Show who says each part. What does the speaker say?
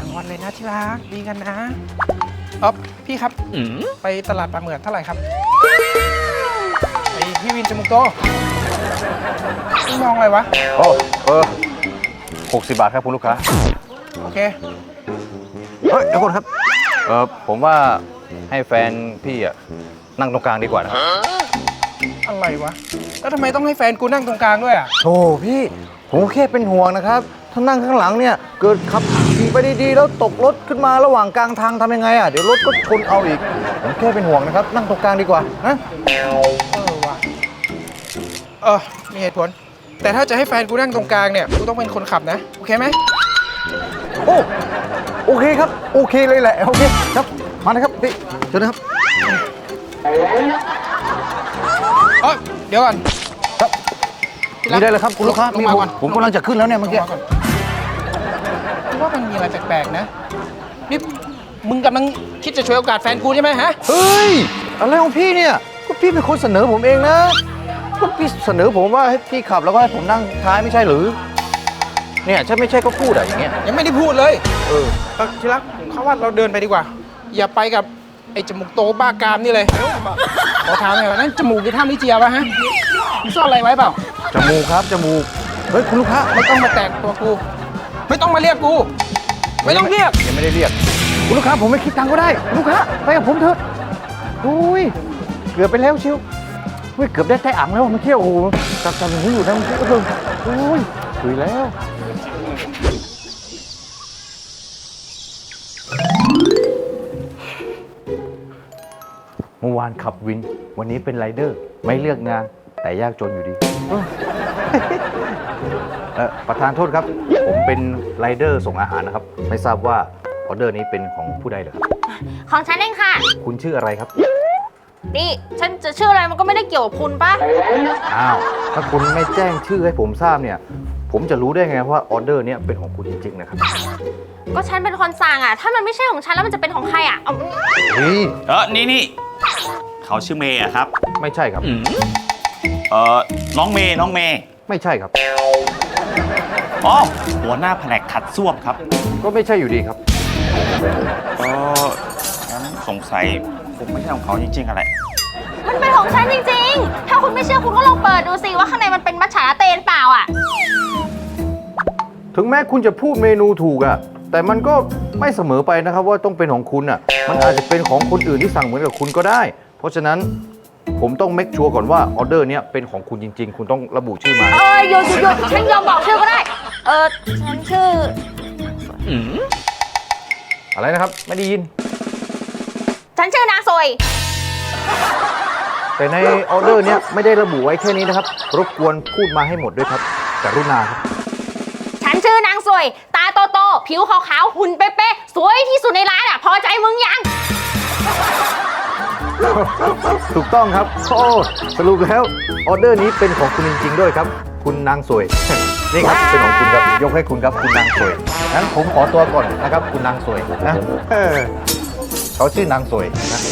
Speaker 1: งอนเลยนะที่รักดีกันนะพี่ครับไปตลาดปลาเหมือดเท่าไหร่ครับไอพี่วินจมูกโตพี่มองอะไรวะ
Speaker 2: 60 บาทครับคุณลูกค้า
Speaker 1: โอเค
Speaker 2: เฮ้ยเดี๋ยวก่อนครับผมว่าให้แฟนพี่อะนั่งตรงกลางดีกว่านะครับ
Speaker 1: อะไรวะแล้วทำไมต้องให้แฟนกูนั่งตรงกลางด้วยอ่ะ
Speaker 2: โธ่พี่ผมแค่เป็นห่วงนะครับถ้านั่งข้างหลังเนี่ยเกิดขับขี่ไปดีๆแล้วตกรถขึ้นมาระหว่างกลางทางทำยังไงอ่ะเดี๋ยวรถก็ชนเอาอีกผมแค่เป็นห่วงนะครับนั่งตรงกลางดีกว่านะ
Speaker 1: ว่ะมีเหตุผลแต่ถ้าจะให้แฟนกูนั่งตรงกลางเนี่ยกูต้องเป็นคนขับนะโอเคไหม
Speaker 2: โอเคครับโอเคเลยแหละโอเคครับมาเลยครับพี่เชิญนะครับ
Speaker 1: เดี๋ยวก่อน
Speaker 2: ครับมีได้เลยครับคุณลูกค้าผมกำลังจะขึ้นแล้วเนี่ยเมื่อกี้
Speaker 1: ว่ามันมีอะไรแปลกๆนะนี่มึงกำลังคิดจะช่วยโอกาสแฟนกูใช่ไหมฮะ
Speaker 2: เฮ้ยอะไรของพี่เนี่ยก็พี่เป็นคนเสนอผมเองนะก็พี่เสนอผมว่าให้พี่ขับแล้วก็ให้ผมนั่งท้ายไม่ใช่หรือเนี่ยถ้าไม่ใช่ก็พูดอะอย่างเงี้ย
Speaker 1: ยังไม่ได้พูดเลยที่รักเขาว่าเราเดินไปดีกว่าอย่าไปกับไอ้จมูกโตบ้ากามนี่เลยขอถามหน่อยว่านั่นจมูกที่ท่ามิเจียวะฮะมึงซ่อนอะไรไว้เปล่า
Speaker 2: จมูกครับจมูกเฮ้ยคุณลูกค้า
Speaker 1: ไม่ต้องมาแตะตัวกูไม่ต้องมาเรียกกูไม่ต้องเรียก
Speaker 2: ยังไม่ได้เรียกคุณลูกค้าผมไม่คิดตังค์ก็ได้ลูกค้าไปกับผมเถอะอุ้ยเกือบไปแล้วชิวเกือบได้แต่อ่างแล้วเมื่อกี้โอ้โหจับอย่างนี้อยู่นะเมื่อกี้ก็เพิ่งอุ้ยคุยแล้วเมื่อวานขับวินวันนี้เป็นไรเดอร์ไม่เลือกงานแต่ยากจนอยู่ดีประธานโทษครับผมเป็นไรเดอร์ส่งอาหารนะครับไม่ทราบว่าออเดอร์นี้เป็นของผู้ใดเหรอครับ
Speaker 3: ของฉันเองค่ะ
Speaker 2: คุณชื่ออะไรครับ
Speaker 3: นี่ฉันจะชื่ออะไรมันก็ไม่ได้เกี่ยวกับคุณป่ะ
Speaker 2: อ้าวถ้าคุณไม่แจ้งชื่อให้ผมทราบเนี่ยผมจะรู้ได้ไงว่าออเดอร์นี้เป็นของคุณจริงๆนะครับ
Speaker 3: ก็ฉันเป็นคนสั่งอ่ะถ้ามันไม่ใช่ของฉันแล้วมันจะเป็นของใครอ่ะ
Speaker 4: นี่เขาชื่อเมย์อะครับ
Speaker 2: ไม่ใช่ครับ
Speaker 4: น้องเมย์
Speaker 2: ไม่ใช่ครับ
Speaker 4: หัวหน้าแผนกขัดส้วมครับ
Speaker 2: ก็ไม่ใช่อยู่ดีครับ
Speaker 4: งั้นสงสัยผมไม่ใช่ของเขาจริงๆอะไร
Speaker 3: มันเป็นของฉันจริงๆถ้าคุณไม่เชื่อคุณก็ลองเปิดดูสิว่าข้างในมันเป็นมัทฉะลาเต้เปล่าอ่ะ
Speaker 2: ถึงแม้คุณจะพูดเมนูถูกอะแต่มันก็ไม่เสมอไปนะครับว่าต้องเป็นของคุณอะมันอาจจะเป็นของคนอื่นที่สั่งเหมือนกับคุณก็ได้เพราะฉะนั้นผมต้องเมคชัวร์ก่อนว่าออเดอร์เนี้ยเป็นของคุณจริงๆคุณต้องระบุชื่อมา
Speaker 3: หยุดฉันยอมบอกชื่อก็ได้ฉันชื่อ
Speaker 2: อะไรนะครับไม่ได้ยิน
Speaker 3: ฉันชื่อนางซวย
Speaker 2: แต่ในออเดอร์เนี้ยไม่ได้ระบุไว้แค่นี้นะครับรบกวนพูดมาให้หมดด้วยครับกรุณาครับ
Speaker 3: ฉันชื่อนางซวยตาโตๆผิวขาวๆหุ่นเป๊ะๆสวยที่สุดในร้านอ่ะพอใจมึงยัง
Speaker 2: ถูกต้องครับสรุปแล้วออเดอร์นี้เป็นของคุณจริงๆด้วยครับคุณนางสวยนี่ครับเป็นของคุณครับยกให้คุณครับคุณนางสวยงั้นผมขอตัวก่อนนะครับคุณนางสวยนะเขาชื่อนางสวยนะ